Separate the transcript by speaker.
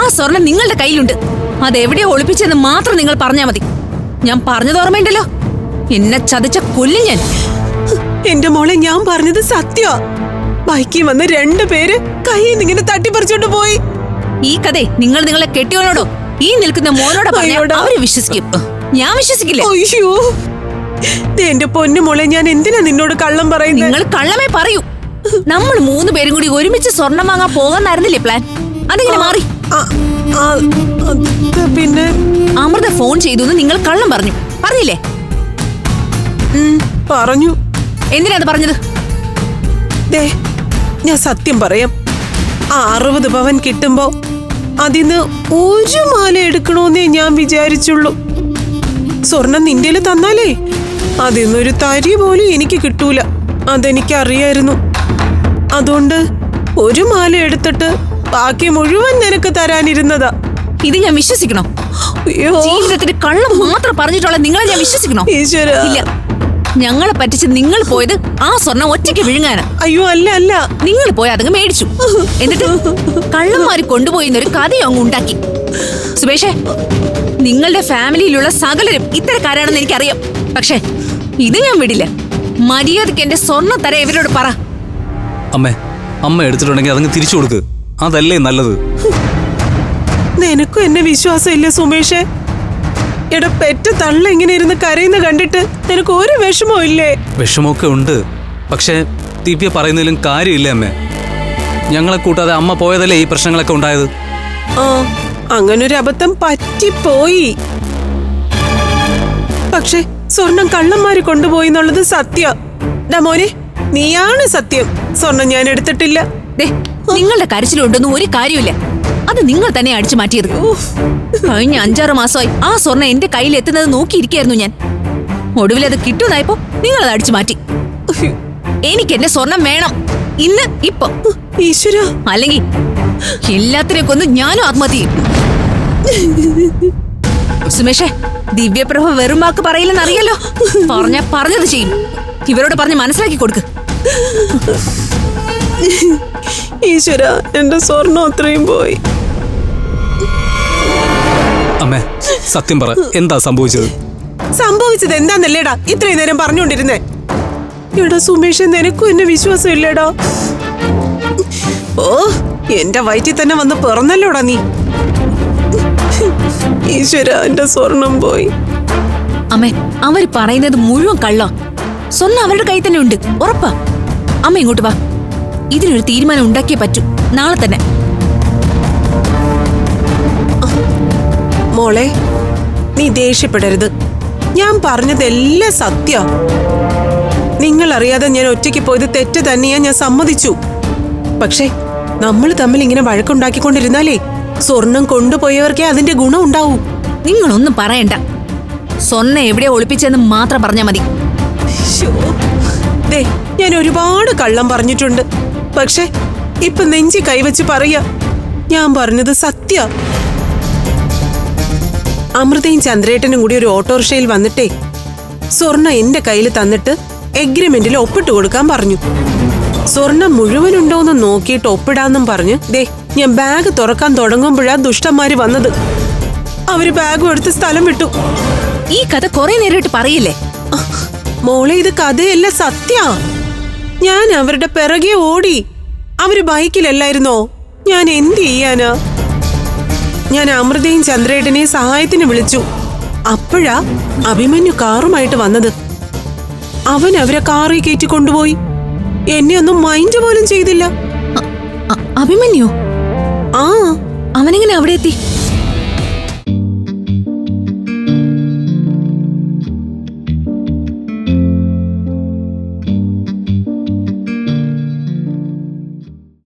Speaker 1: സ്വർണം നിങ്ങളുടെ കയ്യിലുണ്ട്. അതെവിടെയോ ഒളിപ്പിച്ചെന്ന് മാത്രം നിങ്ങൾ പറഞ്ഞാ മതി. ഞാൻ പറഞ്ഞത് ഓർമ്മയുണ്ടല്ലോ, എന്നെ ചതിച്ച കൊല്ലും ഞാൻ.
Speaker 2: എന്റെ മോളെ, ഞാൻ പറഞ്ഞത് സത്യ. ബൈക്കിൽ വന്ന് 2 പേര് കയ്യിൽ നിന്ന് ഇങ്ങനെ തട്ടിപ്പറിച്ചോണ്ട് പോയി.
Speaker 1: ഈ കഥ നിങ്ങൾ നിങ്ങളെ കെട്ടിയോനോടോ ഈ നിൽക്കുന്ന മോനോടോ പറഞ്ഞാൽ അവര് വിശ്വസിക്കും. ഞാൻ വിശ്വസിക്കില്ല.
Speaker 2: അയ്യോ, എന്റെ പൊന്നു മോളെ, ഞാൻ എന്തിനാ നിന്നോട് കള്ളം പറയുന്നത്?
Speaker 1: നിങ്ങൾ കള്ളമേ പറയൂ. നമ്മൾ 3 പേരും കൂടി ഒരുമിച്ച് സ്വർണം വാങ്ങാൻ പോകാന്നായിരുന്നില്ലേ പ്ലാൻ? അതിങ്ങനെ മാറി.
Speaker 2: പിന്നെ
Speaker 1: അമൃത ഫോൺ ചെയ്തു നിങ്ങൾ കള്ളം പറഞ്ഞില്ലേ?
Speaker 2: പറഞ്ഞു.
Speaker 1: എന്തിനാ അത് പറഞ്ഞത്?
Speaker 2: ദേ, ഞാൻ സത്യം പറയാം. 60 പവൻ കിട്ടുമ്പോ അതിന്ന് 1 മാല എടുക്കണോന്നേ ഞാൻ വിചാരിച്ചുള്ളൂ. സ്വർണം നിന്റെല് തന്നാലേ അതിന്നൊരു തരി പോലും എനിക്ക് കിട്ടൂല. അതെനിക്കറിയായിരുന്നു. അതുകൊണ്ട് 1 മാല എടുത്തിട്ട് ബാക്കി മുഴുവൻ നിനക്ക് തരാനിരുന്നതാ.
Speaker 1: ഇത് ഞാൻ വിശ്വസിക്കണോ? ജീവിതത്തിന് കള്ളം മാത്രം പറഞ്ഞിട്ടുള്ള നിങ്ങളെ ഞാൻ വിശ്വസിക്കണോ?
Speaker 2: ഈശ്വരാ,
Speaker 1: ഇല്ല. ഞങ്ങളെ പറ്റിച്ച് നിങ്ങൾ പോയത് ആ സ്വർണം ഒറ്റയ്ക്ക് വിഴുങ്ങാനാ.
Speaker 2: അയ്യോ, അല്ല.
Speaker 1: നിങ്ങൾ പോയി അതങ്ങ് മേടിച്ചു. എന്നിട്ട് കള്ളന്മാര് കൊണ്ടുപോയിന്നൊരു കഥയും അങ്ങ് ഉണ്ടാക്കി. സുബേഷേ, നിങ്ങളുടെ ഫാമിലിയിലുള്ള സകലരും ഇത്തരക്കാരാണെന്ന് എനിക്കറിയാം. പക്ഷേ ഇത് ഞാൻ വിടില്ല. മര്യാദയ്ക്ക് എന്റെ സ്വർണം തരാൻ ഇവരോട് പറ.
Speaker 3: അമ്മ എടുത്തിട്ടുണ്ടെങ്കിൽ അതങ്ങ് തിരിച്ചു കൊടുക്ക്. അതല്ലേ നല്ലത്.
Speaker 2: നിനക്കും എന്നെ വിശ്വാസം ഇല്ല സുമേഷേ? എടാ, പെറ്റ തള്ള ഇങ്ങനെ ഇരുന്ന് കരയുന്ന കണ്ടിട്ട് നിനക്ക് ഒരു വിഷമവും ഇല്ലേ?
Speaker 3: വിഷമമൊക്കെ ഉണ്ട്. പക്ഷേ ദിവ്യ പറയുന്നതിലും കാര്യമില്ല അമ്മേ. ഞങ്ങളെ കൂട്ടാതെ അമ്മ പോയതല്ലേ ഈ പ്രശ്നങ്ങളൊക്കെ ഉണ്ടായത്.
Speaker 2: അങ്ങനൊരു അബദ്ധം പറ്റിപ്പോയി. പക്ഷെ സ്വർണം കള്ളന്മാര് കൊണ്ടുപോയി എന്നുള്ളത് സത്യ. മോനെ, നീയാണ് സത്യം. സ്വർണം ഞാൻ എടുത്തിട്ടില്ല.
Speaker 1: നിങ്ങളുടെ കരച്ചിലുണ്ടെന്നും ഒരു കാര്യമില്ല. അത് നിങ്ങൾ തന്നെ അടിച്ചു മാറ്റിയത്. കഴിഞ്ഞ 5-6 മാസമായി ആ സ്വർണം എന്റെ കയ്യിൽ എത്തുന്നത് നോക്കിയിരിക്കായിരുന്നു ഞാൻ. ഒടുവിൽ അത് കിട്ടുന്നതായപ്പോ നിങ്ങൾ അത് അടിച്ചു മാറ്റി. എനിക്ക് എന്റെ സ്വർണം വേണം, ഇന്ന് ഇപ്പൊ.
Speaker 2: ഈശ്വര,
Speaker 1: അല്ലെങ്കിൽ എല്ലാത്തിനെയും കൊന്ന് ഞാനും ആത്മഹത്യ ചെയ്യും. സുമേഷേ, ദിവ്യപ്രഭ വെറും വാക്ക് പറയില്ലെന്ന് അറിയാലോ. പറഞ്ഞത് ചെയ്യും. ഇവരോട് പറഞ്ഞ് മനസ്സിലാക്കി കൊടുക്ക്.
Speaker 2: ഈശ്വര, എന്റെ സ്വർണം അത്രയും പോയി.
Speaker 3: അമ്മേ, സത്യം പറ, എന്താ സംഭവിച്ചത്?
Speaker 2: സംഭവിച്ചത് എന്താന്നല്ലേടാ ഇത്രയും നേരം പറഞ്ഞുകൊണ്ടിരുന്നേ? എടാ സുമേഷ്, നിനക്കും എന്നെ വിശ്വാസം ഇല്ലേടാ? ഓ, എന്റെ വയറ്റിൽ തന്നെ വന്ന് പിറന്നല്ലോടാ നീ. ഈശ്വര, എന്റെ സ്വർണം പോയി.
Speaker 1: അമ്മേ, അവര് പറയുന്നത് മുഴുവൻ കള്ളം. സ്വർണം അവരുടെ കയ്യിൽ തന്നെ ഉണ്ട്, ഉറപ്പാ. അമ്മ ഇങ്ങോട്ട് വാ. ഇതിനൊരു തീരുമാനം ഉണ്ടാക്കിയേ പറ്റൂ, നാളെ തന്നെ.
Speaker 2: മോളെ, നീ ദേഷ്യപ്പെടരുത്. ഞാൻ പറഞ്ഞതെല്ലാം സത്യ. നിങ്ങൾ അറിയാതെ ഞാൻ ഒറ്റയ്ക്ക് പോയത് തെറ്റ് തന്നെയാ, ഞാൻ സമ്മതിച്ചു. പക്ഷേ നമ്മൾ തമ്മിൽ ഇങ്ങനെ വഴക്കുണ്ടാക്കിക്കൊണ്ടിരുന്നാലേ സ്വർണം കൊണ്ടുപോയവർക്കേ അതിന്റെ ഗുണം ഉണ്ടാവൂ.
Speaker 1: നിങ്ങളൊന്നും പറയണ്ട. സ്വർണം എവിടെ ഒളിപ്പിച്ചെന്ന് മാത്രം പറഞ്ഞാ മതി.
Speaker 2: ദേ, ഞാൻ ഒരുപാട് കള്ളം പറഞ്ഞിട്ടുണ്ട്. പക്ഷെ ഇപ്പൊ നെഞ്ചി കൈവച്ച് പറയാ, ഞാൻ പറഞ്ഞത് സത്യ. അമൃതയും ചന്ദ്രേട്ടനും കൂടി ഒരു ഓട്ടോറിക്ഷയിൽ വന്നിട്ടേ സ്വർണം എന്റെ കയ്യിൽ തന്നിട്ട് എഗ്രിമെന്റിൽ ഒപ്പിട്ട് കൊടുക്കാൻ പറഞ്ഞു. സ്വർണം മുഴുവനുണ്ടോന്ന് നോക്കിയിട്ട് ഒപ്പിടാന്നും പറഞ്ഞ് ദേ, ഞാൻ ബാഗ് തുറക്കാൻ തുടങ്ങുമ്പോഴാ ദുഷ്ടന്മാര് വന്നത്. അവര് ബാഗും എടുത്ത് സ്ഥലം വിട്ടു.
Speaker 1: ഈ കഥ കുറെ നേരമായിട്ട് പറയില്ലേ?
Speaker 2: മോളെ, ഇത് കഥയല്ല, സത്യ. ഞാൻ അവരുടെ പിറകെ ഓടി. അവര് ബൈക്കിലല്ലായിരുന്നോ? ഞാൻ എന്ത് ചെയ്യാനാ? ഞാൻ അമൃതയും ചന്ദ്രേട്ടനെയും സഹായത്തിന് വിളിച്ചു. അപ്പോഴാ അഭിമന്യു കാറുമായിട്ട് വന്നത്. അവൻ അവരെ കാറിൽ കയറ്റി കൊണ്ടുപോയി. എന്നെ ഒന്നും മൈൻഡ് പോലും ചെയ്തില്ല.
Speaker 1: അഭിമന്യു?
Speaker 2: ആ,
Speaker 1: അവനെങ്ങനെ അവിടെ എത്തി?